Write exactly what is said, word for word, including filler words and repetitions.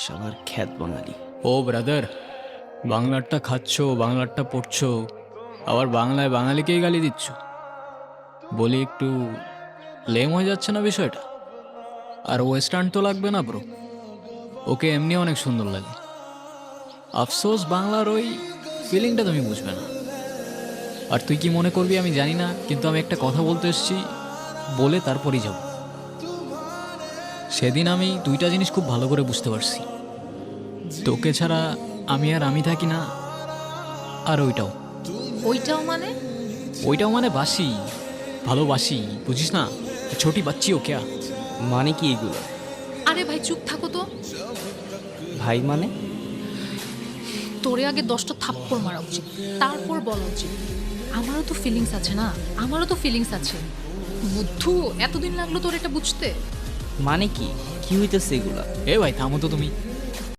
শালার খ্যাত বাঙালি। ও ব্রাদার, বাংলারটা খাচ্ছ, বাংলারটা পড়ছো, আবার বাংলায় বাঙালিকেই গালি দিচ্ছ। বলি একটু লেম হয়ে যাচ্ছে না বিষয়টা? আর ওয়েস্টার্ন তো লাগবে না ব্রো, ওকে এমনি অনেক সুন্দর লাগে। আফসোস বাংলার ওই ফিলিংটা তুমি বুঝবে না। আর তুই কি মনে করবি আমি জানি না, কিন্তু আমি একটা কথা বলতে এসেছি, বলে তারপরই যাব। সেদিন আমি দুইটা জিনিস খুব ভালো করে বুঝতে পারছি, তোকে ছাড়া আমি আর আমি থাকি না, আর ওইটাও ওইটাও মানে? ওইটাও মানে বাসি, ভালোবাসি, বুঝিস না? ছোটি বাচ্চি ও ক্যা? মানে কি এগুলো আরে ভাই চুপ থাকো তো। ভাই? মানে তোরে আগে দশটা থাপ্পড় মারা উচিত, তারপর বলা উচিত। আমারও তো ফিলিংস আছে না, আমারও তো ফিলিংস আছে। বুদ্ধু, এতদিন লাগলো তোর এটা বুঝতে? মানে কি কি হইতেছে এগুলা? এ ভাই থামো তো তুমি।